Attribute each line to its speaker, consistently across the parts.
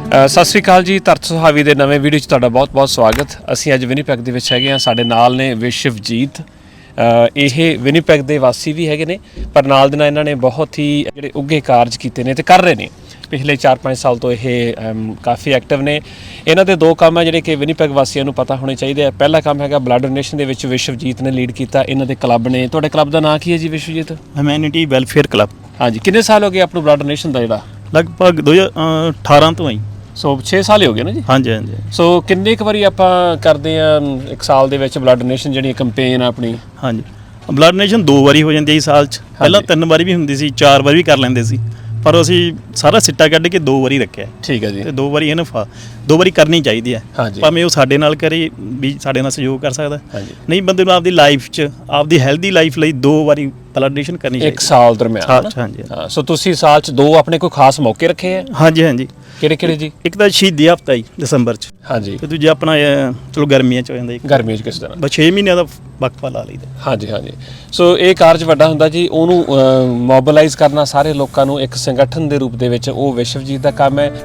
Speaker 1: ਸਤਿ ਸ਼੍ਰੀ ਅਕਾਲ ਜੀ। ਧਰਤ ਸੁਹਾਵੀ ਦੇ ਨਵੇਂ ਵੀਡੀਓ 'ਚ ਤੁਹਾਡਾ ਬਹੁਤ-ਬਹੁਤ ਸਵਾਗਤ। ਅਸੀਂ ਅੱਜ ਵਿਨੀਪੈਗ ਦੇ ਵਿੱਚ ਹੈਗੇ ਹਾਂ। ਸਾਡੇ ਨਾਲ ਨੇ ਵਿਸ਼ਵਜੀਤ। ਇਹ ਵਿਨੀਪੈਗ ਦੇ ਵਾਸੀ ਵੀ ਹੈਗੇ ਨੇ, ਪਰ ਨਾਲ ਦੇ ਨਾਲ ਇਹਨਾਂ ਨੇ ਬਹੁਤ ਹੀ ਜਿਹੜੇ ਉੱਘੇ ਕਾਰਜ ਕੀਤੇ ਨੇ ਤੇ ਕਰ ਰਹੇ ਨੇ। ਪਿਛਲੇ 4-5 ਸਾਲ ਤੋਂ ਇਹ ਕਾਫੀ ਐਕਟਿਵ ਨੇ। ਇਹਨਾਂ ਦੇ ਦੋ ਕੰਮ ਹੈ ਜਿਹੜੇ ਕਿ ਵਿਨੀਪੈਗ ਵਾਸੀਆਂ ਨੂੰ ਪਤਾ ਹੋਣੇ ਚਾਹੀਦੇ ਆ। ਪਹਿਲਾ ਕੰਮ ਹੈਗਾ ਬਲੱਡ ਡੋਨੇਸ਼ਨ ਦੇ ਵਿੱਚ ਵਿਸ਼ਵਜੀਤ ਨੇ ਲੀਡ ਕੀਤਾ। ਇਹਨਾਂ ਦੇ ਕਲੱਬ ਨੇ। ਤੁਹਾਡੇ ਕਲੱਬ ਦਾ ਨਾਂ ਕੀ ਹੈ ਜੀ ਵਿਸ਼ਵਜੀਤ?
Speaker 2: Humanity welfare club.
Speaker 1: ਹਾਂਜੀ, ਕਿੰਨੇ ਸਾਲ ਹੋ ਗਏ ਆਪਣਾ ਬਲੱਡ ਡੋਨੇਸ਼ਨ ਦਾ ਜਿਹੜਾ?
Speaker 2: ਲਗਭਗ 2018 ਤੋਂ ਆਈ।
Speaker 1: ਸੋ 6 ਸਾਲ ਹੀ ਹੋ ਗਏ ਨਾ ਜੀ?
Speaker 2: ਹਾਂਜੀ ਹਾਂਜੀ।
Speaker 1: ਸੋ ਕਿੰਨੇ ਕੁ ਵਾਰੀ ਆਪਾਂ ਕਰਦੇ ਆ ਇੱਕ ਸਾਲ ਦੇ ਵਿੱਚ ਬਲੱਡ ਡੋਨੇਸ਼ਨ ਜਿਹੜੀ ਕੰਪੇਨ ਆਪਣੀ?
Speaker 2: ਹਾਂਜੀ, ਬਲੱਡ ਡੋਨੇਸ਼ਨ 2 ਵਾਰੀ ਹੋ ਜਾਂਦੀ ਹੈ ਜੀ ਸਾਲ 'ਚ। ਪਹਿਲਾਂ 3 ਵਾਰੀ ਵੀ ਹੁੰਦੀ ਸੀ, 4 ਵਾਰੀ ਵੀ ਕਰ ਲੈਂਦੇ ਸੀ, ਪਰ ਅਸੀਂ ਸਾਰਾ ਸਿੱਟਾ ਕੱਢ ਕੇ 2 ਵਾਰੀ ਰੱਖਿਆ।
Speaker 1: ਠੀਕ ਹੈ ਜੀ।
Speaker 2: ਤੇ 2 ਵਾਰੀ ਇਹਨੂੰ 2 ਵਾਰੀ ਕਰਨੀ ਚਾਹੀਦੀ ਹੈ, ਭਾਵੇਂ ਉਹ ਸਾਡੇ ਨਾਲ ਕਰੇ ਵੀ ਸਾਡੇ ਨਾਲ ਸਹਿਯੋਗ ਕਰ ਸਕਦਾ। ਨਹੀਂ, ਬੰਦੇ ਨੂੰ ਆਪਦੀ ਲਾਈਫ 'ਚ ਆਪਦੀ ਹੈਲਦੀ ਲਾਈਫ ਲਈ 2 ਵਾਰੀ ਬਲੱਡ ਡੋਨੇਸ਼ਨ ਕਰਨੀ ਚਾਹੀਦੀ
Speaker 1: ਇੱਕ ਸਾਲ ਦਰਮਿਆਨ।
Speaker 2: ਹਾਂਜੀ।
Speaker 1: ਸੋ ਤੁਸੀਂ ਸਾਲ 'ਚ 2 ਆਪਣੇ ਕੋਈ ਖਾਸ ਮੌਕੇ ਰੱਖੇ ਆ?
Speaker 2: ਹਾਂਜੀ ਹਾਂਜੀ।
Speaker 1: ਕਿਹੜੇ ਜੀ?
Speaker 2: ਇੱਕ ਤਾਂ ਸ਼ਹੀਦੀ ਹਫ਼ਤਾ ਜੀ ਦਸੰਬਰ 'ਚ। ਹਾਂਜੀ। ਤੇ ਦੂਜਾ ਆਪਣਾ ਚਲੋ ਗਰਮੀਆਂ 'ਚ ਹੋ ਜਾਂਦਾ।
Speaker 1: ਗਰਮੀਆਂ 'ਚ ਕਿਸ ਤਰ੍ਹਾਂ?
Speaker 2: ਬਸ 6 ਮਹੀਨਿਆਂ ਦਾ ਵਕਫਾ ਲਾ ਲਈਦਾ।
Speaker 1: ਹਾਂਜੀ। ਸੋ ਇਹ ਕਾਰਜ ਵੱਡਾ ਹੁੰਦਾ ਜੀ। ਉਹਨੂੰ ਮੋਬਿਲਾਈਜ਼ ਕਰਨਾ ਸਾਰੇ ਲੋਕਾਂ ਨੂੰ ਇੱਕ ਸੰਗਠਨ ਦੇ ਰੂਪ ਦੇ ਵਿੱਚ, ਉਹ ਵਿਸ਼ਵਜੀਤ ਦਾ ਕੰਮ ਹੈ।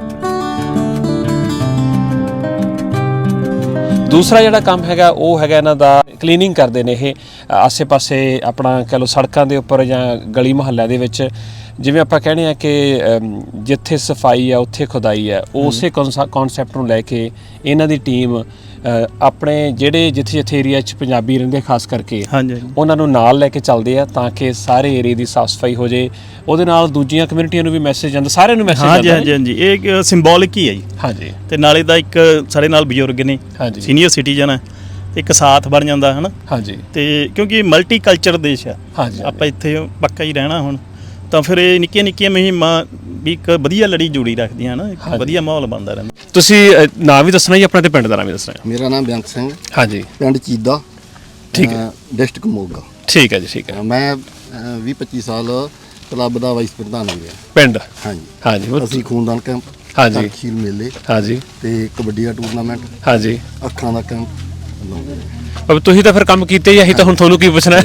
Speaker 1: ਦੂਸਰਾ ਜਿਹੜਾ ਕੰਮ ਹੈਗਾ ਉਹ ਹੈਗਾ ਇਹਨਾਂ ਦਾ ਕਲੀਨਿੰਗ ਕਰਦੇ ਨੇ। ਇਹ ਆਸੇ-ਪਾਸੇ ਆਪਣਾ ਕਹਿ ਲਓ ਸੜਕਾਂ ਦੇ ਉੱਪਰ ਜਾਂ ਗਲੀ ਮੁਹੱਲਿਆਂ ਦੇ ਵਿੱਚ, ਜਿਵੇਂ ਆਪਾਂ ਕਹਿੰਦੇ ਆ ਕਿ ਜਿੱਥੇ ਸਫਾਈ ਆ ਉੱਥੇ ਖੁਦਾਈ ਹੈ, ਉਸੇ ਕਨਸੈਪਟ ਨੂੰ ਲੈ ਕੇ ਇਹਨਾਂ ਦੀ ਟੀਮ ਆਪਣੇ ਜਿਹੜੇ ਜਿੱਥੇ ਏਰੀਆ 'ਚ ਪੰਜਾਬੀ ਰਹਿੰਦੇ ਖਾਸ ਕਰਕੇ, ਉਹਨਾਂ ਨੂੰ ਨਾਲ ਲੈ ਕੇ ਚੱਲਦੇ ਆ ਤਾਂ ਕਿ ਸਾਰੇ ਏਰੀਏ ਦੀ ਸਾਫ਼ ਸਫਾਈ ਹੋ ਜੇ। ਉਹਦੇ ਨਾਲ ਦੂਜੀਆਂ ਕਮਿਊਨਿਟੀਆਂ ਨੂੰ ਵੀ ਮੈਸੇਜ ਜਾਂਦਾ, ਸਾਰਿਆਂ ਨੂੰ ਮੈਸੇਜ ਜਾਂਦਾ। ਹਾਂਜੀ। ਇਹ ਇੱਕ ਸਿੰਬੋਲਿਕ ਹੀ ਹੈ ਜੀ। ਹਾਂਜੀ। ਤੇ ਨਾਲੇ ਦਾ ਇੱਕ ਸਾਡੇ ਨਾਲ ਬਜ਼ੁਰਗ ਨੇ, ਸੀਨੀਅਰ ਸਿਟੀਜ਼ਨ ਹੈ, ਇੱਕ ਸਾਥ ਬਣ ਜਾਂਦਾ ਹੈ ਨਾ। ਹਾਂਜੀ। ਤੇ ਕਿਉਂਕਿ ਮਲਟੀ ਕਲਚਰ ਦੇਸ਼ ਆ, ਆਪਾਂ ਇੱਥੇ ਪੱਕਾ ਹੀ ਰਹਿਣਾ ਹੁਣ, ਤਾਂ ਫਿਰ ਇਹ ਨਿੱਕੀਆਂ ਮੁਹਿੰਮਾਂ ਵੀ ਇੱਕ ਵਧੀਆ ਲੜੀ ਜੋੜੀ ਰੱਖਦੀਆਂ ਨਾ, ਇੱਕ ਵਧੀਆ ਮਾਹੌਲ ਬਣਦਾ ਰਹਿੰਦਾ। ਤੁਸੀਂ ਨਾਂ ਵੀ ਦੱਸਣਾ ਜੀ ਆਪਣਾ ਤੇ ਪਿੰਡ ਦਾ ਨਾਂ ਵੀ ਦੱਸਣਾ?
Speaker 3: ਮੇਰਾ ਨਾਮ ਬੇਅੰਤ ਸਿੰਘ।
Speaker 1: ਹਾਂਜੀ।
Speaker 3: ਪਿੰਡ ਚੀਦਾ।
Speaker 1: ਠੀਕ ਹੈ।
Speaker 3: ਡਿਸਟ੍ਰਿਕਟ ਮੋਗਾ।
Speaker 1: ਠੀਕ ਹੈ ਜੀ। ਠੀਕ ਹੈ।
Speaker 3: ਮੈਂ 20-25 ਸਾਲ ਕਲੱਬ ਦਾ ਵਾਈਸ ਪ੍ਰਧਾਨ ਹੋ ਗਿਆ ਪਿੰਡ। ਹਾਂਜੀ। ਅਸੀਂ ਖੂਨਦਾਨ ਕੈਂਪ, ਖੀਰ ਮੇਲੇ, ਤੇ ਕਬੱਡੀ ਦਾ ਟੂਰਨਾਮੈਂਟ, ਅੱਖਾਂ ਦਾ ਕੈਂਪ।
Speaker 1: ਤੁਸੀਂ ਤਾਂ ਫਿਰ ਕੰਮ ਕੀਤੇ ਹੀ, ਅਸੀਂ ਤਾਂ ਹੁਣ ਤੁਹਾਨੂੰ ਕੀ ਪੁੱਛਣਾ।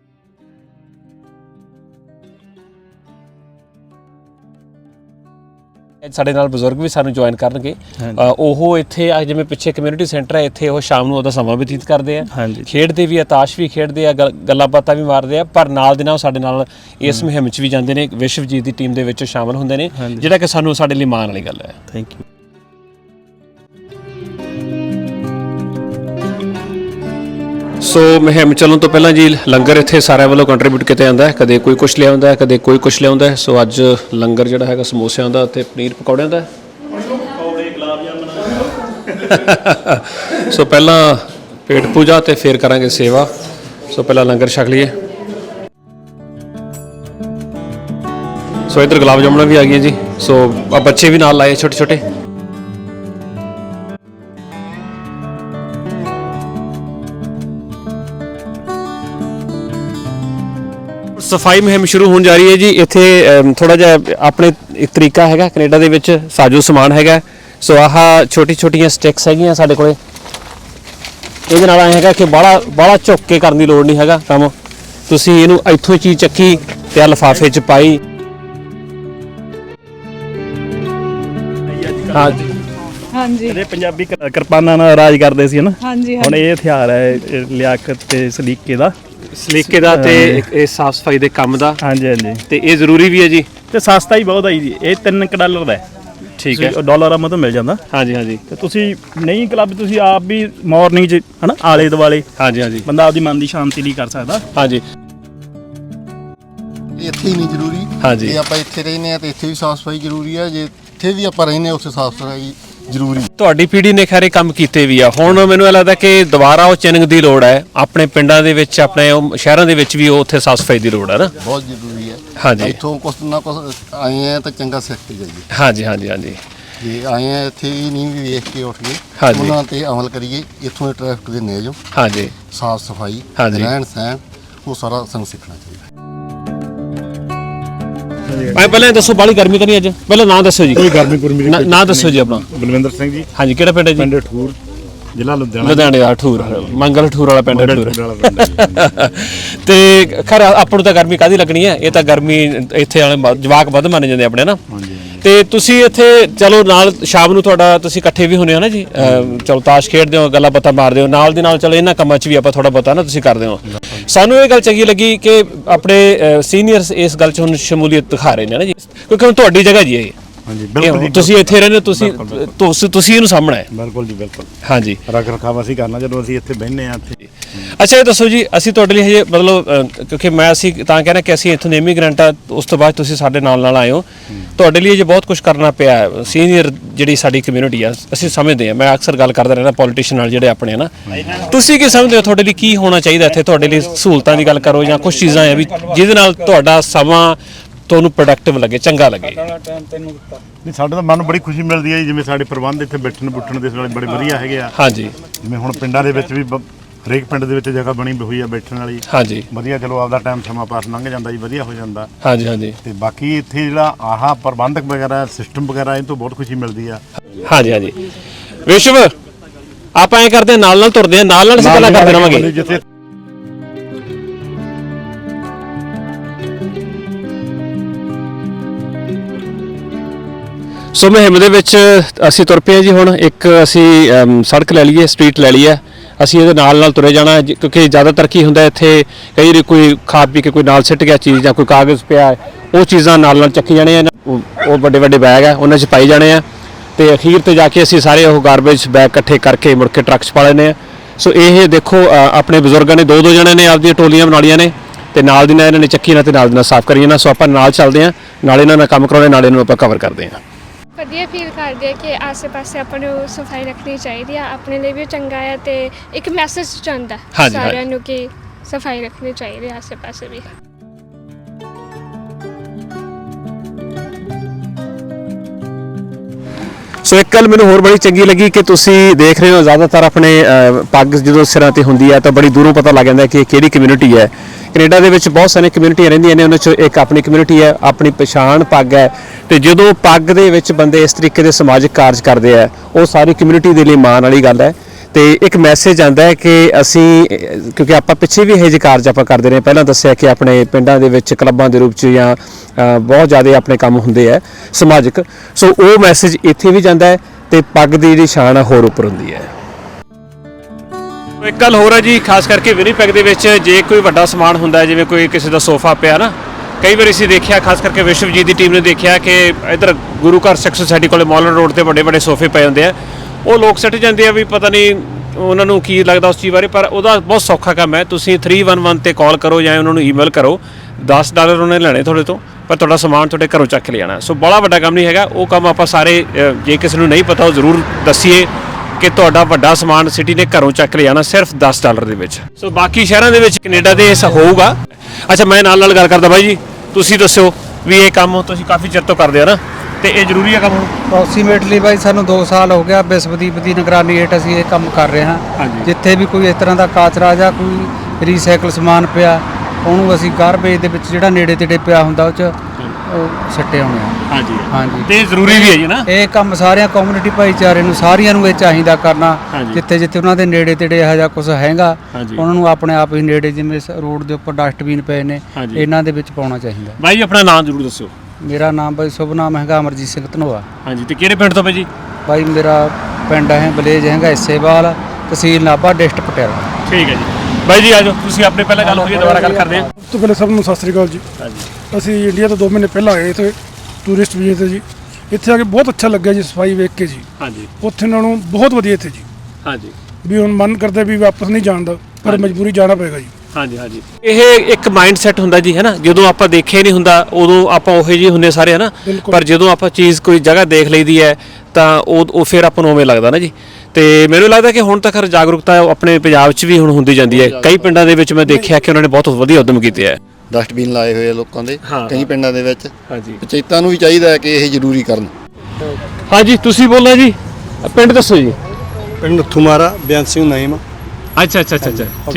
Speaker 1: ਸਾਡੇ ਨਾਲ ਬਜ਼ੁਰਗ ਵੀ ਸਾਨੂੰ ਜੁਆਇਨ ਕਰਨਗੇ। ਉਹ ਇੱਥੇ ਜਿਵੇਂ ਪਿੱਛੇ ਕਮਿਊਨਿਟੀ ਸੈਂਟਰ ਹੈ, ਇੱਥੇ ਉਹ ਸ਼ਾਮ ਨੂੰ ਉਹਦਾ ਸਮਾਂ ਬਤੀਤ ਕਰਦੇ ਆ, ਖੇਡਦੇ ਵੀ ਆ, ਤਾਸ਼ ਵੀ ਖੇਡਦੇ ਆ, ਗੱਲਾਂ ਬਾਤਾਂ ਵੀ ਮਾਰਦੇ ਆ, ਪਰ ਨਾਲ ਦੇ ਨਾਲ ਸਾਡੇ ਨਾਲ ਇਸ ਮੁਹਿੰਮ 'ਚ ਵੀ ਜਾਂਦੇ ਨੇ। ਵਿਸ਼ਵਜੀਤ ਦੀ ਟੀਮ ਦੇ ਵਿੱਚ ਸ਼ਾਮਲ ਹੁੰਦੇ ਨੇ, ਜਿਹੜਾ ਕਿ ਸਾਨੂੰ ਸਾਡੇ ਲਈ ਮਾਣ ਵਾਲੀ ਗੱਲ ਹੈ।
Speaker 2: Thank you.
Speaker 1: ਸੋ ਮੁਹਿੰਮ ਚੱਲਣ ਤੋਂ ਪਹਿਲਾਂ ਜੀ ਲੰਗਰ ਇੱਥੇ ਸਾਰਿਆਂ ਵੱਲੋਂ ਕੰਟਰੀਬਿਊਟ ਕੀਤਾ ਜਾਂਦਾ ਹੈ। ਕਦੇ ਕੋਈ ਕੁਛ ਲਿਆਉਂਦਾ ਹੈ, ਕਦੇ ਕੋਈ ਕੁਛ ਲਿਆਉਂਦਾ ਹੈ। ਸੋ ਅੱਜ ਲੰਗਰ ਜਿਹੜਾ ਹੈਗਾ ਸਮੋਸਿਆਂ ਦਾ ਅਤੇ ਪਨੀਰ ਪਕੌੜਿਆਂ ਦਾ। ਸੋ ਪਹਿਲਾਂ ਪੇਟ ਪੂਜਾ ਅਤੇ ਫਿਰ ਕਰਾਂਗੇ ਸੇਵਾ। ਸੋ ਪਹਿਲਾਂ ਲੰਗਰ ਛਕ ਲਈਏ। ਸੋ ਇੱਧਰ ਗੁਲਾਬ ਜਾਮੁਨਾਂ ਵੀ ਆ ਗਈਆਂ ਜੀ। ਸੋ ਬੱਚੇ ਵੀ ਨਾਲ ਲਾਏ ਛੋਟੇ। ਸਫਾਈ ਮੁਹਿੰਮ ਸ਼ੁਰੂ ਹੋਣ ਜਾ ਰਹੀ ਹੈ ਜੀ। ਇੱਥੇ ਥੋੜਾ ਜਿਹਾ ਆਪਣੇ ਇੱਕ ਤਰੀਕਾ ਹੈਗਾ ਕੈਨੇਡਾ ਦੇ ਵਿੱਚ, ਸਾਜੋ ਸਮਾਨ ਹੈਗਾ। ਸੋ ਆਹ ਛੋਟੀਆਂ ਸਟਿਕਸ ਹੈਗੀਆਂ ਸਾਡੇ ਕੋਲੇ। ਇਹਦੇ ਨਾਲ ਐਂ ਹੈਗਾ ਕਿ ਬਾਹਲਾ ਝੁੱਕ ਕੇ ਕਰਨ ਦੀ ਲੋੜ ਨਹੀਂ ਹੈਗਾ ਕੰਮ। ਤੁਸੀਂ ਇਹਨੂੰ ਇੱਥੋਂ ਚੀਜ਼ ਚੱਕੀ ਤੇ ਆ ਲਿਫਾਫੇ 'ਚ ਪਾਈ।
Speaker 2: ਹਾਂਜੀ। ਇਹਦੇ ਪੰਜਾਬੀ ਕਿਰਪਾਨਾਂ ਨਾਲ ਰਾਜ ਕਰਦੇ ਸੀ ਨਾ। ਹੁਣ ਇਹ ਹਥਿਆਰ ਹੈ ਲਿਆਕਤ ਤੇ ਸਲੀਕੇ ਦਾ
Speaker 1: ਤੇ ਇਹ ਸਾਫ ਸਫਾਈ ਦੇ ਕੰਮ ਦਾ।
Speaker 2: ਹਾਂਜੀ।
Speaker 1: ਤੇ ਇਹ ਜ਼ਰੂਰੀ ਵੀ ਹੈ ਜੀ,
Speaker 2: ਤੇ ਸਸਤਾ ਹੀ ਬਹੁਤ ਹੈ ਜੀ। ਇਹ $3 ਦਾ ਹੈ।
Speaker 1: ਠੀਕ ਹੈ।
Speaker 2: ਡਾਲਰਾਂ ਮਤੋਂ ਮਿਲ ਜਾਂਦਾ। ਹਾਂਜੀ। ਤੇ ਤੁਸੀਂ ਨਹੀਂ ਕਲੱਬ ਤੁਸੀਂ ਆਪ ਵੀ ਮਾਰਨਿੰਗ 'ਚ ਹਨਾ ਆਲੇ ਦੁਆਲੇ, ਬੰਦਾ ਆਪਦੀ ਮਨ ਦੀ ਸ਼ਾਂਤੀ ਲਈ ਕਰ ਸਕਦਾ।
Speaker 3: ਹਾਂਜੀ। ਇੱਥੇ ਹੀ ਨਹੀਂ ਜ਼ਰੂਰੀ, ਜੇ ਆਪਾਂ ਇੱਥੇ ਰਹਿੰਦੇ ਆ ਤੇ ਇੱਥੇ ਵੀ ਸਾਫ ਸਫਾਈ ਜ਼ਰੂਰੀ ਹੈ। ਜੇ ਇੱਥੇ ਵੀ ਆਪਾਂ ਰਹਿੰਦੇ ਆ ਉੱਥੇ ਸਾਫ ਸਫਾਈ ਜ਼ਰੂਰੀ। ਤੁਹਾਡੀ
Speaker 1: ਪੀੜ੍ਹੀ ਨੇ ਖੈਰੇ ਕੰਮ ਕੀਤੇ ਵੀ ਆ। ਹੁਣ ਮੈਨੂੰ ਇਹ ਲੱਗਦਾ ਕਿ ਦੁਬਾਰਾ ਉਹ ਚੈਨਿੰਗ ਦੀ ਲੋੜ ਹੈ। ਆਪਣੇ ਪਿੰਡਾਂ ਦੇ ਵਿੱਚ, ਆਪਣੇ ਸ਼ਹਿਰਾਂ ਦੇ ਵਿੱਚ ਵੀ ਉੱਥੇ ਸਾਫ ਸਫਾਈ ਦੀ ਲੋੜ ਹੈ ਨਾ,
Speaker 3: ਬਹੁਤ ਜ਼ਰੂਰੀ ਹੈ।
Speaker 1: ਹਾਂਜੀ।
Speaker 3: ਇੱਥੋਂ ਕੁਛ ਨਾ ਕੁਛ ਆਏ ਆ ਤਾਂ ਚੰਗਾ ਸਿੱਖ ਕੇ ਜਾਈਏ।
Speaker 1: ਹਾਂਜੀ।
Speaker 3: ਜੇ ਆਏ ਆ ਇੱਥੇ ਹੀ ਨਹੀਂ ਵੀ ਵੇਖ ਕੇ ਉੱਠ ਗਏ, ਉਹਨਾਂ ਤੇ ਅਮਲ ਕਰੀਏ। ਇੱਥੋਂ ਦੇ ਟ੍ਰੈਫਿਕ ਦੇ ਨਿਯਮ, ਸਾਫ ਸਫਾਈ, ਰਹਿਣ ਸਹਿਣ, ਉਹ ਸਾਰਾ ਸਾਨੂੰ ਸਿੱਖਣਾ ਚਾਹੀਦਾ।
Speaker 1: ਪਹਿਲਾਂ ਦੱਸੋ, ਬਾਹਲੀ ਗਰਮੀ ਤਾਂ ਨਹੀਂ ਅੱਜ? ਪਹਿਲਾਂ ਨਾਂ ਦੱਸੋ ਜੀ।
Speaker 4: ਕੋਈ ਗਰਮੀ ਗੁਰਮੀ ਨਹੀਂ।
Speaker 1: ਨਾਂ ਦੱਸੋ ਜੀ ਆਪਣਾ।
Speaker 4: ਬਲਵਿੰਦਰ ਸਿੰਘ ਜੀ।
Speaker 1: ਹਾਂਜੀ। ਕਿਹੜਾ ਪਿੰਡ ਹੈ ਜੀ?
Speaker 4: ਪਿੰਡ ਠੂਰ, ਜ਼ਿਲ੍ਹਾ
Speaker 1: ਲੁਧਿਆਣੇ ਦਾ ਠੂਰ, ਮੰਗਲ ਠੂਰ ਵਾਲਾ ਪਿੰਡ। ਤੇ ਖੈਰ ਆਪਾਂ ਨੂੰ ਤਾਂ ਗਰਮੀ ਕਾਹਦੀ ਲੱਗਣੀ ਹੈ, ਇਹ ਤਾਂ ਗਰਮੀ ਇੱਥੇ ਵਾਲੇ ਜਵਾਕ ਵੱਧ ਮੰਨ ਜਾਂਦੇ ਆਪਣੇ ਨਾ। ਤੇ ਤੁਸੀਂ ਇੱਥੇ ਚਲੋ ਨਾਲ ਸ਼ਾਮ ਨੂੰ ਤੁਹਾਡਾ ਤੁਸੀਂ ਇਕੱਠੇ ਵੀ ਹੁੰਦੇ ਹੋ ਨਾ ਜੀ, ਚਲੋ ਤਾਸ਼ ਖੇਡਦੇ ਹੋ, ਗੱਲਾਂ ਬਾਤਾਂ ਮਾਰਦੇ ਹੋ, ਨਾਲ ਦੀ ਨਾਲ ਚਲੋ ਇਹਨਾਂ ਕੰਮਾਂ 'ਚ ਵੀ ਆਪਾਂ ਥੋੜਾ ਬਹੁਤਾ ਨਾ ਤੁਸੀਂ ਕਰਦੇ ਹੋ। ਸਾਨੂੰ ਇਹ ਗੱਲ ਚੰਗੀ ਲੱਗੀ ਕਿ ਆਪਣੇ ਸੀਨੀਅਰਸ ਇਸ ਗੱਲ 'ਚ ਹੁਣ ਸ਼ਮੂਲੀਅਤ ਦਿਖਾ ਰਹੇ ਨੇ ਨਾ ਜੀ, ਕਿਉਂਕਿ ਹੁਣ ਤੁਹਾਡੀ ਜਗ੍ਹਾ ਜੀ ਇਹ।
Speaker 4: ਹਾਂਜੀ ਬਿਲਕੁਲ ਜੀ,
Speaker 1: ਤੁਸੀਂ ਇੱਥੇ ਰਹਿੰਦੇ ਹੋ, ਤੁਸੀਂ ਇਹਨੂੰ ਸਾਹਮਣਾ ਹੈ।
Speaker 4: ਬਿਲਕੁਲ ਜੀ ਬਿਲਕੁਲ।
Speaker 1: ਹਾਂਜੀ,
Speaker 4: ਰੱਖ ਰਖਾਵ ਅਸੀਂ ਕਰਨਾ ਜਦੋਂ ਅਸੀਂ ਇੱਥੇ ਬਹਿੰਦੇ ਆ ਇੱਥੇ।
Speaker 1: ਅੱਛਾ ਇਹ ਦੱਸੋ ਜੀ, ਅਸੀਂ ਤੁਹਾਡੇ ਲਈ ਹਜੇ ਮਤਲਬ ਕਿਉਂਕਿ ਅਸੀਂ ਤਾਂ ਕਹਿੰਦਾ ਕਿ ਅਸੀਂ ਇੱਥੋਂ ਦੇ ਇਮੀਗ੍ਰੈਂਟ ਆ, ਉਸ ਤੋਂ ਬਾਅਦ ਤੁਸੀਂ ਸਾਡੇ ਨਾਲ ਆਏ ਹੋ, ਤੁਹਾਡੇ ਲਈ ਜੇ ਬਹੁਤ ਕੁਝ ਕਰਨਾ ਪਿਆ ਹੈ। ਸੀਨੀਅਰ ਜਿਹੜੀ ਸਾਡੀ ਕਮਿਊਨਿਟੀ ਆ, ਅਸੀਂ ਸਮਝਦੇ ਹਾਂ, ਮੈਂ ਅਕਸਰ ਗੱਲ ਕਰਦਾ ਰਹਿੰਦਾ ਪੋਲੀਟੀਸ਼ੀਅਨ ਨਾਲ ਜਿਹੜੇ ਆਪਣੇ ਨਾ, ਤੁਸੀਂ ਕੀ ਸਮਝਦੇ ਹੋ ਤੁਹਾਡੇ ਲਈ ਕੀ ਹੋਣਾ ਚਾਹੀਦਾ ਇੱਥੇ? ਤੁਹਾਡੇ ਲਈ ਸਹੂਲਤਾਂ ਦੀ ਗੱਲ ਕਰੋ ਜਾਂ ਕੁਝ ਚੀਜ਼ਾਂ ਆ ਵੀ ਜਿਹਦੇ ਨਾਲ ਤੁਹਾਡਾ ਸਮਾਂ ਤੁਹਾਨੂੰ ਪ੍ਰੋਡਕਟਿਵ ਲੱਗੇ, ਚੰਗਾ ਲੱਗੇ।
Speaker 4: ਨਹੀਂ ਸਾਡੇ ਤਾਂ ਮਨ ਨੂੰ ਬੜੀ ਖੁਸ਼ੀ ਮਿਲਦੀ ਹੈ ਜੀ, ਜਿਵੇਂ ਸਾਡੇ ਪ੍ਰਬੰਧ ਇੱਥੇ ਬੈਠਣ ਬੁੱਠਣ ਦੇ ਨਾਲ ਬੜੇ ਵਧੀਆ ਹੈਗੇ ਆ।
Speaker 1: ਹਾਂਜੀ,
Speaker 4: ਜਿਵੇਂ ਹੁਣ ਪਿੰਡਾਂ ਦੇ ਵਿੱਚ ਵੀ ਹਰੇਕ ਪਿੰਡ ਦੇ ਵਿੱਚ ਜਗ੍ਹਾ ਬਣੀ ਹੋਈ ਆ ਬੈਠਣ ਵਾਲੀ।
Speaker 1: ਹਾਂਜੀ
Speaker 4: ਵਧੀਆ, ਚਲੋ ਆਪਦਾ ਟਾਈਮ ਸਮਾਂ ਪਾਸ ਲੰਘ ਜਾਂਦਾ ਜੀ, ਵਧੀਆ ਹੋ ਜਾਂਦਾ।
Speaker 1: ਹਾਂਜੀ ਹਾਂਜੀ
Speaker 4: ਤੇ ਬਾਕੀ ਇੱਥੇ ਜਿਹੜਾ ਆਹ ਪ੍ਰਬੰਧਕ ਵਗੈਰਾ ਸਿਸਟਮ ਵਗੈਰਾ ਇਹ ਤੋਂ ਬਹੁਤ ਖੁਸ਼ੀ ਮਿਲਦੀ ਆ।
Speaker 1: ਹਾਂਜੀ ਹਾਂਜੀ ਵਿਸ਼ਵ, ਆਪਾਂ ਐ ਕਰਦੇ ਨਾਲ ਨਾਲ ਤੁਰਦੇ ਆ, ਨਾਲ ਅਸੀਂ ਗੱਲਾਂ ਕਰਦੇ ਰਹਾਂਗੇ।
Speaker 4: ਜਿੱਥੇ
Speaker 1: ਸੋ ਮੁਹਿੰਮ ਦੇ ਵਿੱਚ ਅਸੀਂ ਤੁਰ ਪਏ ਜੀ। ਹੁਣ ਇੱਕ ਅਸੀਂ ਸੜਕ ਲੈ ਲਈਏ, ਸਟਰੀਟ ਲੈ ਲਈਏ, ਅਸੀਂ ਇਹਦੇ ਨਾਲ ਨਾਲ ਤੁਰੇ ਜਾਣਾ ਕਿਉਂਕਿ ਜ਼ਿਆਦਾਤਰ ਕੀ ਹੁੰਦਾ ਇੱਥੇ ਕਈ ਵਾਰੀ ਕੋਈ ਖਾ ਪੀ ਕੇ ਕੋਈ ਨਾਲ ਸਿੱਟ ਗਿਆ ਚੀਜ਼ ਜਾਂ ਕੋਈ ਕਾਗਜ਼ ਪਿਆ, ਉਹ ਚੀਜ਼ਾਂ ਨਾਲ ਨਾਲ ਚੱਕੀ ਜਾਣੇ ਆ, ਉਹ ਵੱਡੇ ਵੱਡੇ ਬੈਗ ਆ ਉਹਨਾਂ 'ਚ ਪਾਈ ਜਾਣੇ ਆ, ਤੇ ਅਖੀਰ ਤੇ ਜਾ ਕੇ ਅਸੀਂ ਸਾਰੇ ਉਹ ਗਾਰਬੇਜ ਬੈਗ ਇਕੱਠੇ ਕਰਕੇ ਮੁੜ ਕੇ ਟਰੱਕ 'ਚ ਪਾ ਲੈਂਦੇ ਆ। ਸੋ ਇਹ ਦੇਖੋ ਆਪਣੇ ਬਜ਼ੁਰਗਾਂ ਨੇ ਦੋ ਜਣੇ ਨੇ ਆਪਦੀਆਂ ਟੋਲੀਆਂ ਬਣਾ ਲਈਆਂ ਨੇ, ਤੇ ਨਾਲ ਦੀ ਨਾਲ ਇਹਨਾਂ ਨੇ ਚੱਕੀ ਨਾਲ ਤੇ ਨਾਲ ਦੀ ਨਾਲ ਸਾਫ਼ ਕਰੀ ਜਾਣਾ। ਸੋ ਆਪਾਂ ਨਾਲ ਚੱਲਦੇ ਆ, ਨਾਲ ਇਹਨਾਂ ਨਾਲ ਕੰਮ ਕਰਾਉਣੇ, ਨਾਲ ਇਹਨਾਂ ਨੂੰ ਆਪਾਂ ਕਵਰ ਕਰਦੇ ਆ।
Speaker 5: ਵਧੀਆ ਫੀਲ ਕਰਦੇ ਆ ਕਿ ਆਸੇ-ਪਾਸੇ ਆਪਾਂ ਨੂੰ ਸਫਾਈ ਰੱਖਣੀ ਚਾਹੀਦੀ ਆ, ਆਪਣੇ ਲਈ ਵੀ ਚੰਗਾ ਹੈ ਤੇ ਇੱਕ ਮੈਸੇਜ ਜਾਂਦਾ ਸਾਰਿਆਂ ਨੂੰ ਕਿ ਸਫਾਈ ਰੱਖਣੀ ਚਾਹੀਦੀ ਹੈ ਆਸੇ-ਪਾਸੇ ਵੀ।
Speaker 1: ਸੋ ਇੱਕ ਗੱਲ ਮੈਨੂੰ ਹੋਰ ਬੜੀ ਚੰਗੀ ਲੱਗੀ ਕਿ ਤੁਸੀਂ ਦੇਖ ਰਹੇ ਹੋ ਜ਼ਿਆਦਾਤਰ ਆਪਣੇ ਪੱਗ ਜਦੋਂ ਸਿਰਾਂ ਤੇ ਹੁੰਦੀ ਹੈ ਤਾਂ ਬੜੀ ਦੂਰੋਂ ਪਤਾ ਲੱਗ ਜਾਂਦਾ ਕਿ ਇਹ ਕਿਹੜੀ ਕਮਿਊਨਿਟੀ ਹੈ। ਕੈਨੇਡਾ ਦੇ ਵਿੱਚ ਬਹੁਤ ਸਾਰੀਆਂ ਕਮਿਊਨਿਟੀਆਂ ਰਹਿੰਦੀਆਂ ਨੇ, ਉਹਨਾਂ 'ਚੋਂ ਇੱਕ ਆਪਣੀ ਕਮਿਊਨਿਟੀ ਹੈ, ਆਪਣੀ ਪਛਾਣ ਪੱਗ ਹੈ। ਤੇ ਜਦੋਂ ਪੱਗ ਦੇ ਵਿੱਚ ਬੰਦੇ ਇਸ ਤਰੀਕੇ ਦੇ ਸਮਾਜਿਕ ਕਾਰਜ ਕਰਦੇ ਆ, ਉਹ ਸਾਰੀ ਕਮਿਊਨਿਟੀ ਦੇ ਲਈ ਮਾਣ ਵਾਲੀ ਗੱਲ ਹੈ। ਤੇ ਇੱਕ ਮੈਸੇਜ ਆਉਂਦਾ ਹੈ ਕਿ ਅਸੀਂ ਕਿਉਂਕਿ ਆਪਾਂ ਪਿੱਛੇ ਵੀ ਇਹ ਜਿਹੇ ਕਾਰਜ ਆਪਾਂ ਕਰਦੇ ਰਹੇ, ਪਹਿਲਾਂ ਦੱਸਿਆ ਕਿ ਆਪਣੇ ਪਿੰਡਾਂ ਦੇ ਵਿੱਚ ਕਲੱਬਾਂ ਦੇ ਰੂਪ 'ਚ ਜਾਂ ਬਹੁਤ ਜ਼ਿਆਦਾ ਆਪਣੇ ਕੰਮ ਹੁੰਦੇ ਆ ਸਮਾਜਿਕ। ਸੋ ਉਹ ਮੈਸੇਜ ਇੱਥੇ ਵੀ ਜਾਂਦਾ ਹੈ ਤੇ ਪੱਗ ਦੀ ਜਿਹੜੀ ਸ਼ਾਨ ਹੈ ਹੋਰ ਉੱਪਰ ਹੁੰਦੀ ਹੈ। ਇੱਕ ਗੱਲ ਹੋਰ ਹੈ ਜੀ, ਖਾਸ ਕਰਕੇ ਵਿਨੀਪੈਗ ਦੇ ਵਿੱਚ ਜੇ ਕੋਈ ਵੱਡਾ ਸਮਾਨ ਹੁੰਦਾ, ਜਿਵੇਂ ਕੋਈ ਕਿਸੇ ਦਾ ਸੋਫਾ ਪਿਆ ਨਾ, ਕਈ ਵਾਰ ਅਸੀਂ ਦੇਖਿਆ, ਖਾਸ ਕਰਕੇ ਵਿਸ਼ਵਜੀਤ ਦੀ ਟੀਮ ਨੇ ਦੇਖਿਆ ਕਿ ਇੱਧਰ ਗੁਰੂ ਘਰ ਸਿੱਖ ਸੁਸਾਇਟੀ ਕੋਲੇ ਮੌਲਨ ਰੋਡ ਤੇ ਵੱਡੇ ਵੱਡੇ ਸੋਫੇ ਪਏ ਹੁੰਦੇ ਆ, ਉਹ ਲੋਕ ਸਿੱਟ ਜਾਂਦੇ ਆ ਵੀ ਪਤਾ ਨਹੀਂ ਉਹਨਾਂ ਨੂੰ ਕੀ ਲੱਗਦਾ ਉਸ ਚੀਜ਼ ਬਾਰੇ। ਪਰ ਉਹਦਾ ਬਹੁਤ ਸੌਖਾ ਕੰਮ ਹੈ, ਤੁਸੀਂ 311 ਤੇ ਕਾਲ ਕਰੋ ਜਾਂ ਉਹਨਾਂ ਨੂੰ ਈਮੇਲ ਕਰੋ, $10 ਉਹਨੇ ਲੈਣੇ ਤੁਹਾਡੇ ਤੋਂ, ਪਰ ਤੁਹਾਡਾ ਸਮਾਨ ਤੁਹਾਡੇ ਘਰੋਂ ਚੱਕ ਕੇ ਲਿਆਉਣਾ। ਸੋ ਬੜਾ ਵੱਡਾ ਕੰਮ ਨਹੀਂ ਹੈਗਾ ਉਹ ਕੰਮ। ਆਪਾਂ ਸਾਰੇ ਜੇ ਕਿਸੇ ਨੂੰ ਨਹੀਂ ਪਤਾ ਉਹ ਜ਼ਰੂਰ ਦੱਸੀਏ ਕਿ ਤੁਹਾਡਾ ਵੱਡਾ ਸਮਾਨ ਸਿਟੀ ਨੇ ਘਰੋਂ ਚੱਕ ਲਿਆਉਣਾ ਸਿਰਫ $10 ਦੇ ਵਿੱਚ। ਸੋ ਬਾਕੀ ਸ਼ਹਿਰਾਂ ਦੇ ਵਿੱਚ ਕੈਨੇਡਾ ਦੇ ਇਸ ਹੋਊਗਾ। ਅੱਛਾ ਮੈਂ ਨਾਲ ਗੱਲ ਕਰਦਾ ਬਾਈ ਜੀ, ਤੁਸੀਂ ਦੱਸਿਓ ਵੀ ਇਹ ਕੰਮ ਤੁਸੀਂ ਕਾਫੀ ਚਿਰ ਤੋਂ ਕਰਦੇ ਹੋ ਨਾ, ਤੇ ਇਹ ਜ਼ਰੂਰੀ ਹੈ ਕੰਮ?
Speaker 6: ਅਪਰੋਕਸੀਮੇਟਲੀ ਬਾਈ ਸਾਨੂੰ 2 ਸਾਲ ਹੋ ਗਿਆ, ਵਿਸ਼ਵਦੀਪ ਦੀ ਨਿਗਰਾਨੀ ਹੇਠ ਅਸੀਂ ਇਹ ਕੰਮ ਕਰ ਰਹੇ ਹਾਂ। ਜਿੱਥੇ ਵੀ ਕੋਈ ਇਸ ਤਰ੍ਹਾਂ ਦਾ ਕਾਚਰਾ ਜਾਂ ਕੋਈ ਰੀਸਾਈਕਲ ਸਮਾਨ ਪਿਆ, ਉਹਨੂੰ ਅਸੀਂ ਗਾਰਬੇਜ ਦੇ ਵਿੱਚ ਜਿਹੜਾ ਨੇੜੇ ਤੇੜੇ ਪਿਆ ਹੁੰਦਾ ਉਹ 'ਚ ਸੱਟੇ ਆਉਣੇ ਆ।
Speaker 1: ਹਾਂਜੀ
Speaker 6: ਹਾਂਜੀ,
Speaker 1: ਤੇ ਜ਼ਰੂਰੀ ਵੀ ਹੈ ਜੀ ਨਾ
Speaker 6: ਇਹ ਕੰਮ ਸਾਰਿਆਂ ਕਮਿਊਨਿਟੀ ਭਾਈਚਾਰੇ ਨੂੰ ਸਾਰਿਆਂ ਨੂੰ ਇਹ ਚਾਹੀਦਾ ਕਰਨਾ। ਜਿੱਥੇ ਜਿੱਥੇ ਉਹਨਾਂ ਦੇ ਨੇੜੇ ਤੇੜੇ ਇਹੋ ਜਿਹਾ ਕੁਝ ਹੈਗਾ, ਉਹਨਾਂ ਨੂੰ ਆਪਣੇ ਆਪ ਹੀ ਨੇੜੇ, ਜਿਵੇਂ ਰੋਡ ਦੇ ਉੱਪਰ ਡਸਟਬਿਨ ਪਏ ਨੇ, ਇਹਨਾਂ ਦੇ ਵਿੱਚ ਪਾਉਣਾ ਚਾਹੀਦਾ।
Speaker 1: ਬਾਈ ਆਪਣਾ ਨਾਮ ਜ਼ਰੂਰ ਦੱਸਿਓ।
Speaker 6: ਮੇਰਾ ਨਾਮ ਬਾਈ ਸ਼ੁਭ ਨਾਮ ਹੈਗਾ ਅਮਰਜੀਤ ਸਿੰਘ ਧਨੋਆ।
Speaker 1: ਹਾਂਜੀ, ਤੇ ਕਿਹੜੇ ਪਿੰਡ ਤੋਂ ਬਾਈ ਜੀ?
Speaker 6: ਬਾਈ ਮੇਰਾ ਪਿੰਡ ਹੈ ਵਿਲੇਜ ਹੈਗਾ ਇਸੇਵਾਲ, ਤਹਿਸੀਲ ਨਾਭਾ, ਡਿਸਟ੍ਰਿਕਟ ਪਟਿਆਲਾ।
Speaker 1: ਠੀਕ ਹੈ ਜੀ। ਬਾਈ ਜੀ ਆਜੋ, ਤੁਸੀਂ ਆਪਣੇ ਪਹਿਲਾਂ ਗੱਲ ਹੋਈ, ਦੁਬਾਰਾ ਗੱਲ ਕਰਦੇ ਹਾਂ।
Speaker 7: ਸਭ ਤੋਂ ਪਹਿਲੇ ਸਭ ਨੂੰ ਸਤਿ ਸ੍ਰੀ ਅਕਾਲ ਜੀ। ਅਸੀਂ ਇੰਡੀਆ ਤੋਂ 2 ਮਹੀਨੇ ਪਹਿਲਾਂ ਆਏ ਇੱਥੇ ਟੂਰਿਸਟ ਵੀਜ਼ੇ ਤੇ ਜੀ। ਇੱਥੇ ਆ ਕੇ ਬਹੁਤ ਅੱਛਾ ਲੱਗਿਆ ਜੀ, ਸਫਾਈ ਵੇਖ ਕੇ ਜੀ।
Speaker 1: ਹਾਂਜੀ,
Speaker 7: ਉੱਥੇ ਨਾਲੋਂ ਬਹੁਤ ਵਧੀਆ ਇੱਥੇ ਜੀ।
Speaker 1: ਹਾਂਜੀ, ਵੀ
Speaker 7: ਹੁਣ ਮਨ ਕਰਦਾ ਵੀ ਵਾਪਸ ਨਹੀਂ ਜਾਣ ਦਾ, ਪਰ ਮਜਬੂਰੀ ਜਾਣਾ ਪਏਗਾ ਜੀ।
Speaker 1: ਹਾਂਜੀ ਹਾਂਜੀ, ਇਹ ਇੱਕ ਮਾਈਂਡ ਸੈਟ ਹੁੰਦਾ ਜੀ, ਹੈ ਨਾ। ਜਦੋਂ ਆਪਾਂ ਦੇਖੇ ਨਹੀਂ ਹੁੰਦਾ ਉਦੋਂ ਆਪਾਂ ਉਹੇ ਜਿਹੇ ਹੁੰਦੇ ਸਾਰੇ, ਹੈ ਨਾ। ਪਰ ਜਦੋਂ ਆਪਾਂ ਚੀਜ਼ ਕੋਈ ਜਗ੍ਹਾ ਦੇਖ ਲਈਦੀ ਹੈ ਤਾਂ ਉਹ ਫਿਰ ਆਪਾਂ ਨੂੰ ਉਵੇਂ ਲੱਗਦਾ ਨਾ ਜੀ। ਤੇ ਮੈਨੂੰ ਲੱਗਦਾ ਕਿ ਹੁਣ ਤੱਕ ਜਾਗਰੂਕਤਾ ਆਪਣੇ ਪੰਜਾਬ 'ਚ ਵੀ ਹੁਣ ਹੁੰਦੀ ਜਾਂਦੀ ਹੈ। ਕਈ ਪਿੰਡਾਂ ਦੇ ਵਿੱਚ ਮੈਂ ਦੇਖਿਆ ਕਿ ਉਹਨਾਂ ਨੇ ਬਹੁਤ ਵਧੀਆ ਉਦਮ ਕੀਤੇ ਹੈ।
Speaker 3: ਡਸਟਬਿਨ ਲਾਏ ਹੋਏ ਆ ਲੋਕਾਂ ਦੇ ਕਈ ਪਿੰਡਾਂ ਦੇ ਵਿੱਚ।
Speaker 1: ਹਾਂਜੀ,
Speaker 3: ਪੰਚਾਇਤਾਂ ਨੂੰ ਵੀ ਚਾਹੀਦਾ ਹੈ ਕਿ ਇਹ ਜ਼ਰੂਰੀ ਕਰਨ।
Speaker 1: ਹਾਂਜੀ ਤੁਸੀਂ ਬੋਲਣਾ ਜੀ, ਪਿੰਡ ਦੱਸੋ ਜੀ।
Speaker 8: ਪਿੰਡ ਥੁਮਾਰਾ, ਬਿਆਨ ਸਿੰਘ ਨਾਇਮ।
Speaker 1: ਅੱਛਾ ਅੱਛਾ ਅੱਛਾ,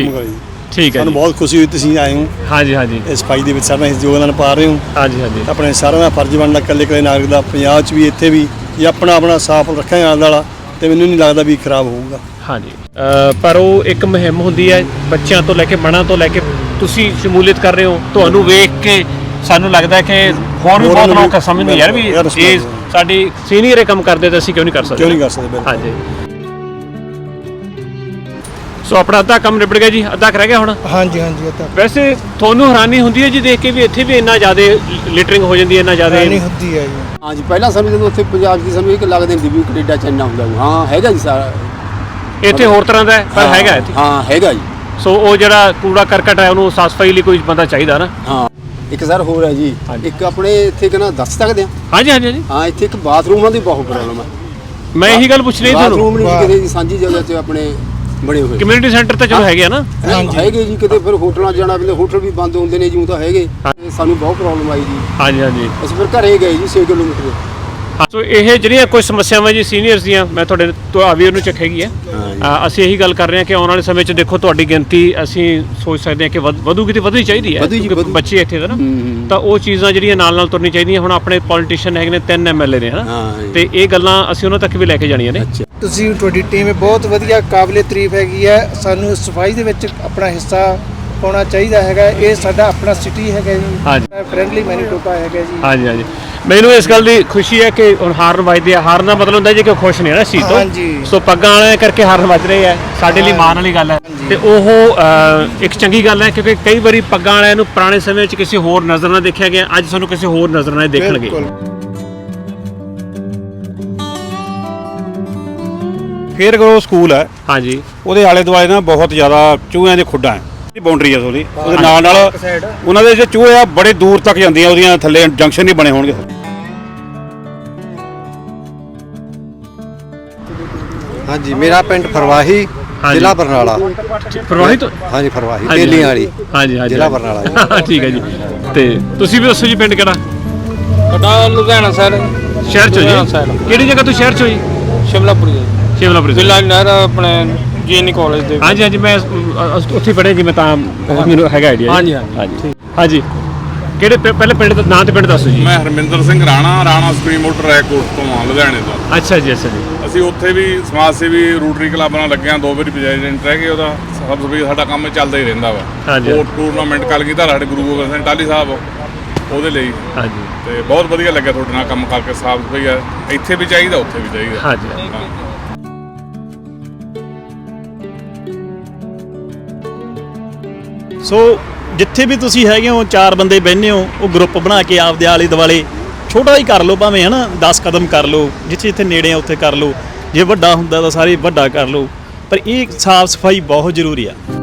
Speaker 1: ਠੀਕ ਹੈ।
Speaker 8: ਸਾਨੂੰ ਬਹੁਤ ਖੁਸ਼ੀ ਹੋਈ ਤੁਸੀਂ ਆਏ ਹੋ।
Speaker 1: ਹਾਂਜੀ ਹਾਂਜੀ,
Speaker 8: ਇਸ ਸਫਾਈ ਦੇ ਵਿੱਚ ਸਾਡਾ ਯੋਗਦਾਨ ਪਾ ਰਹੇ ਹੋ।
Speaker 1: ਹਾਂਜੀ ਹਾਂਜੀ,
Speaker 8: ਆਪਣੇ ਸਾਰਿਆਂ ਦਾ ਫਰਜ਼ ਬਣਦਾ ਇਕੱਲੇ ਨਾਗਰਿਕ ਦਾ, ਪੰਜਾਬ 'ਚ ਵੀ ਇੱਥੇ ਵੀ, ਜੇ ਆਪਣਾ ਸਾਫ਼ ਰੱਖਾਂਗੇ ਆਲੇ ਦੁਆਲਾ, ਤੇ ਮੈਨੂੰ ਨਹੀਂ ਲੱਗਦਾ ਵੀ ਖਰਾਬ ਹੋਊਗਾ।
Speaker 1: ਹਾਂਜੀ, ਪਰ ਉਹ ਇੱਕ ਮੁਹਿੰਮ ਹੁੰਦੀ ਹੈ, ਬੱਚਿਆਂ ਤੋਂ ਲੈ ਕੇ ਬੜਿਆਂ ਤੋਂ ਲੈ ਕੇ ਤੁਸੀਂ ਸ਼ਮੂਲੀਅਤ ਕਰ ਰਹੇ ਹੋ। ਤੁਹਾਨੂੰ ਵੇਖ ਕੇ ਸਾਨੂੰ ਲੱਗਦਾ ਕਿ ਹੋਰ ਵੀ ਬਹੁਤ ਲੋਕ ਸਮਝਦੇ ਯਾਰ ਵੀ ਇਹ ਸਾਡੀ ਸੀਨੀਅਰ ਇਹ ਕੰਮ ਕਰਦੇ ਤਾਂ ਅਸੀਂ ਕਿਉਂ ਨਹੀਂ ਕਰ ਸਕਦੇ।
Speaker 8: ਕਿਉਂ ਨਹੀਂ ਕਰ ਸਕਦੇ ਬਿਲਕੁਲ।
Speaker 1: ਹਾਂਜੀ। ਸੋ ਆਪਣਾ ਅੱਧਾ ਕੰਮ ਨਿਬੜ ਗਿਆ ਜੀ, ਅੱਧਾ ਕੁ ਰਹਿ ਗਿਆ ਹੁਣ।
Speaker 9: ਹਾਂਜੀ ਹਾਂਜੀ ਅੱਧਾ
Speaker 1: ਵੈਸੇ ਤੁਹਾਨੂੰ ਹੈਰਾਨੀ ਹੁੰਦੀ ਹੈ ਜੀ ਦੇਖ ਕੇ ਵੀ ਇੱਥੇ ਵੀ ਇੰਨਾ ਜ਼ਿਆਦਾ ਲਿਟਰਿੰਗ ਹੋ ਜਾਂਦੀ ਹੈ, ਇੰਨਾ ਜ਼ਿਆਦਾ
Speaker 9: ਨਹੀਂ ਹੁੰਦੀ ਹੈ ਜੀ।
Speaker 10: ਹਾਂਜੀ ਪਹਿਲਾਂ ਸਾਨੂੰ ਜਦੋਂ ਉੱਥੇ ਪੰਜਾਬ ਦੀ ਸਾਨੂੰ ਇੱਕ ਲੱਗਦਾ ਹੁੰਦੀ ਵੀ ਕੈਨੇਡਾ ਚ ਇੰਨਾ ਹੁੰਦਾ ਹਾਂ ਹੈਗਾ ਜੀ ਸਾਰਾ
Speaker 1: ਇੱਥੇ ਹੋਰ ਤਰ੍ਹਾਂ ਦਾ ਹੈ, ਪਰ ਹੈਗਾ ਇੱਥੇ।
Speaker 10: ਹਾਂ ਹੈਗਾ ਜੀ।
Speaker 1: ਸੋ ਉਹ ਜਿਹੜਾ ਕੂੜਾ ਕਰਕਟ ਹੈ ਉਹਨੂੰ ਸਾਫ਼ ਸਫਾਈ ਲਈ ਕੋਈ ਬੰਦਾ ਚਾਹੀਦਾ ਨਾ।
Speaker 10: ਹਾਂ ਇੱਕ ਸਰ ਹੋਰ ਹੈ ਜੀ, ਇੱਕ ਆਪਣੇ ਇੱਥੇ ਕਿਹਨਾਂ ਦੱਸ ਸਕਦੇ ਆ?
Speaker 1: ਹਾਂਜੀ ਹਾਂਜੀ ਹਾਂਜੀ।
Speaker 10: ਹਾਂ ਇੱਥੇ ਇੱਕ ਬਾਥਰੂਮਾਂ ਦੀ ਬਹੁਤ ਪ੍ਰੋਬਲਮ ਹੈ।
Speaker 1: ਮੈਂ ਇਹੀ ਗੱਲ ਪੁੱਛ ਰਹੀ ਤੁਹਾਨੂੰ।
Speaker 10: ਬਾਥਰੂਮ ਨਹੀਂ ਕਿਤੇ ਜੀ ਸਾਂਝੀ ਜਗ੍ਹਾ 'ਚ ਆਪਣੇ ਬਣੇ ਹੋਏ
Speaker 1: ਕਮਿਊਨਿਟੀ ਸੈਂਟਰ ਤਾਂ ਚਲੋ ਹੈਗੇ ਆ ਨਾ।
Speaker 10: ਹੈਗੇ ਜੀ, ਕਿਤੇ ਫਿਰ ਹੋਟਲਾਂ 'ਚ ਜਾਣਾ ਪੈਂਦਾ, ਹੋਟਲ ਵੀ ਬੰਦ ਹੁੰਦੇ ਨੇ ਜਿਉਂ ਤਾਂ ਹੈਗੇ। ਸਾਨੂੰ ਬਹੁਤ ਪ੍ਰੋਬਲਮ ਆਈ ਜੀ।
Speaker 1: ਹਾਂਜੀ ਹਾਂਜੀ।
Speaker 10: ਅਸੀਂ ਫਿਰ ਘਰੇ ਗਏ ਜੀ 6 ਕਿਲੋਮੀਟਰ।
Speaker 1: ਸੋ ਇਹ ਜਿਹੜੀਆਂ ਕੁਝ ਸਮੱਸਿਆਵਾਂ ਜੀ ਸੀਨੀਅਰਸ ਦੀਆਂ ਮੈਂ ਤੁਹਾਡੇ ਤੋਂ ਵੀ ਉਹਨੂੰ ਚੱਕੇਗੀ ਹੈ। ਅਸੀਂ ਇਹੀ ਗੱਲ ਕਰ ਰਹੇ ਹਾਂ ਕਿ ਆਉਣ ਵਾਲੇ ਸਮੇਂ 'ਚ ਦੇਖੋ ਤੁਹਾਡੀ ਗਿਣਤੀ ਅਸੀਂ ਸੋਚ ਸਕਦੇ ਹਾਂ ਕਿ ਵਧੂਗੀ ਤੇ ਵਧਣੀ ਚਾਹੀਦੀ ਹੈ ਕਿਉਂਕਿ ਬੱਚੇ ਇੱਥੇ ਦਾ ਨਾ, ਤਾਂ ਉਹ ਚੀਜ਼ਾਂ ਜਿਹੜੀਆਂ ਨਾਲ ਨਾਲ ਤੁਰਨੀ ਚਾਹੀਦੀਆਂ। ਹੁਣ ਆਪਣੇ ਪੋਲੀਟੀਸ਼ੀਅਨ ਹੈਗੇ ਨੇ 3 MLA ਨੇ ਹਨਾ, ਤੇ ਇਹ ਗੱਲਾਂ ਅਸੀਂ ਉਹਨਾਂ ਤੱਕ ਵੀ ਲੈ ਕੇ ਜਾਣੀਆਂ ਨੇ।
Speaker 9: ਤੁਸੀਂ ਤੁਹਾਡੀ ਟੀਮ ਬਹੁਤ ਵਧੀਆ ਕਾਬਲੇ ਤਾਰੀਫ ਹੈਗੀ ਹੈ। ਸਾਨੂੰ ਸਫਾਈ ਦੇ ਵਿੱਚ ਆਪਣਾ ਹਿੱਸਾ ਪਾਉਣਾ ਚਾਹੀਦਾ ਹੈਗਾ। ਇਹ ਸਾਡਾ ਆਪਣਾ ਸਿਟੀ ਹੈਗਾ ਜੀ, ਫ੍ਰੈਂਡਲੀ ਮੈਨੀਟੋਬਾ ਹੈਗਾ ਜੀ।
Speaker 1: ਹਾਂਜੀ ਹਾਂਜੀ। ਮੈਨੂੰ ਇਸ ਗੱਲ ਦੀ ਖੁਸ਼ੀ ਹੈ ਕਿ ਹੁਣ ਹਾਰਨ ਵੱਜਦੇ ਆ। ਹਾਰਨ ਦਾ ਮਤਲਬ ਹੁੰਦਾ ਜੀ ਕਿ ਉਹ ਖੁਸ਼ ਨੇ ਨਾ ਇਸ ਚੀਜ਼ ਤੋਂ। ਸੋ ਪੱਗਾਂ ਵਾਲਿਆਂ ਕਰਕੇ ਹਾਰਨ ਵੱਜ ਰਹੇ ਆ, ਸਾਡੇ ਲਈ ਮਾਣ ਵਾਲੀ ਗੱਲ ਹੈ। ਤੇ ਉਹ ਇੱਕ ਚੰਗੀ ਗੱਲ ਹੈ ਕਿਉਂਕਿ ਕਈ ਵਾਰੀ ਪੱਗਾਂ ਵਾਲਿਆਂ ਨੂੰ ਪੁਰਾਣੇ ਸਮੇਂ ਵਿੱਚ ਕਿਸੇ ਹੋਰ ਨਜ਼ਰ ਨਾਲ ਦੇਖਿਆ ਗਿਆ, ਅੱਜ ਸਾਨੂੰ ਕਿਸੇ ਹੋਰ ਨਜ਼ਰ ਨਾਲ ਦੇਖਣਗੇ।
Speaker 11: ਫੇਰ ਗਰੋ ਸਕੂਲ ਹੈ
Speaker 1: ਹਾਂਜੀ,
Speaker 11: ਉਹਦੇ ਆਲੇ ਦੁਆਲੇ ਨਾ ਬਹੁਤ ਜ਼ਿਆਦਾ ਚੂਹਿਆਂ ਦੇ ਖੁੱਡਾਂ ਹੈ, ਬਾਉਂਡਰੀ ਹੈ ਉਹਦੀ। ਉਹਦੇ ਨਾਲ ਨਾਲ ਉਹਨਾਂ ਦੇ ਜਿਹੜੇ ਚੂਹੇ ਆ ਬੜੇ ਦੂਰ ਤੱਕ ਜਾਂਦੀਆਂ, ਉਹਦੀਆਂ ਥੱਲੇ ਜੰਕਸ਼ਨ ਨਹੀਂ ਬਣੇ ਹੋਣਗੇ।
Speaker 12: ਹਾਂਜੀ ਮੇਰਾ ਪਿੰਡ ਫਰਵਾਹੀ, ਜ਼ਿਲ੍ਹਾ ਬਰਨਾਲਾ।
Speaker 1: ਫਰਵਾਹੀ ਤੋਂ?
Speaker 12: ਹਾਂਜੀ ਫਰਵਾਹੀ ਤੇਲੀਆਂ ਵਾਲੀ।
Speaker 1: ਹਾਂਜੀ ਹਾਂਜੀ,
Speaker 12: ਜ਼ਿਲ੍ਹਾ ਬਰਨਾਲਾ।
Speaker 1: ਠੀਕ ਹੈ ਜੀ। ਤੇ ਤੁਸੀਂ ਵੀ ਦੱਸੋ ਜੀ ਪਿੰਡ ਕਿਹੜਾ?
Speaker 6: ਸਾਡਾ ਲੁਧਿਆਣਾ ਸ਼ਹਿਰ
Speaker 1: ਸ਼ਹਿਰ ਚੋਂ ਜੀ? ਕਿਹੜੀ ਜਗ੍ਹਾ ਤੋਂ ਸ਼ਹਿਰ ਚੋਂ ਜੀ?
Speaker 6: ਸ਼ਿਮਲਾਪੁਰੀ।
Speaker 1: ਸ਼ਿਮਲਾਪੁਰੀ
Speaker 6: ਜ਼ਿਲ੍ਹਾ ਨਹਿਰ ਆਪਣੇ ਜੀਐਨਈ ਕਾਲਜ ਦੇ।
Speaker 1: ਹਾਂਜੀ ਹਾਂਜੀ, ਮੈਂ ਉੱਥੇ ਪੜ੍ਹਿਆ ਜੀ, ਮੈਂ ਤਾਂ ਮੈਨੂੰ ਹੈਗਾ ਆਈਡੀਆ। ਹਾਂਜੀ ਹਾਂਜੀ ਹਾਂਜੀ। ਕਿਹੜੇ ਪਹਿਲੇ ਪਿੰਡ ਦਾ ਨਾਂ ਤੇ ਪਿੰਡ ਦੱਸੋ ਜੀ।
Speaker 4: ਮੈਂ Harminder Singh Rana supreme motor record ਤੋਂ ਆ ਲੁਧਿਆਣੇ ਤੋਂ।
Speaker 1: ਅੱਛਾ ਜੀ ਅੱਛਾ ਜੀ।
Speaker 4: ਅਸੀਂ ਉੱਥੇ ਵੀ ਸਮਾਜ ਸੇਵੀ ਰੋਟਰੀ ਕਲੱਬ ਨਾਲ ਲੱਗੇ ਹਾਂ, 2 ਵਾਰੀ ਪ੍ਰੈਜ਼ੀਡੈਂਟ ਰਹਿ ਗਏ ਉਹਦਾ। ਸਭ ਤੋਂ ਸਾਡਾ ਕੰਮ ਚੱਲਦਾ ਹੀ ਰਹਿੰਦਾ ਵਾ। ਉਹ ਟੂਰਨਾਮੈਂਟ ਕੱਲ ਕੀਤਾ ਸਾਡੇ ਗੁਰੂ ਗੋਬਿੰਦ ਸਿੰਘ ਟਾਹਲੀ ਸਾਹਿਬ ਉਹਦੇ ਲਈ। ਹਾਂਜੀ। ਤੇ ਬਹੁਤ ਵਧੀਆ ਲੱਗਿਆ ਤੁਹਾਡੇ ਨਾਲ ਕੰਮ ਕਰਕੇ। ਸਾਫ ਸਫਾਈ ਆ ਇੱਥੇ ਵੀ ਚਾਹੀਦਾ, ਉੱਥੇ ਵੀ ਚਾਹੀਦਾ।
Speaker 1: ਹਾਂਜੀ।
Speaker 2: ਸੋ ਜਿੱਥੇ ਵੀ ਤੁਸੀਂ ਹੈਗੇ ਹੋ, 4 ਬੰਦੇ ਬਹਿੰਦੇ ਹੋ, ਉਹ ਗਰੁੱਪ ਬਣਾ ਕੇ ਆਪਦੇ ਆਲੇ ਦੁਆਲੇ ਛੋਟਾ ਹੀ ਕਰ ਲਓ, ਭਾਵੇਂ ਹੈ ਨਾ 10 ਕਦਮ ਕਰ ਲਓ, ਜਿੱਥੇ ਜਿੱਥੇ ਨੇੜੇ ਆ ਉੱਥੇ ਕਰ ਲਓ। ਜੇ ਵੱਡਾ ਹੁੰਦਾ ਤਾਂ ਸਾਰੇ ਵੱਡਾ ਕਰ ਲਓ, ਪਰ ਇਹ ਸਾਫ਼ ਸਫਾਈ ਬਹੁਤ ਜ਼ਰੂਰੀ ਆ।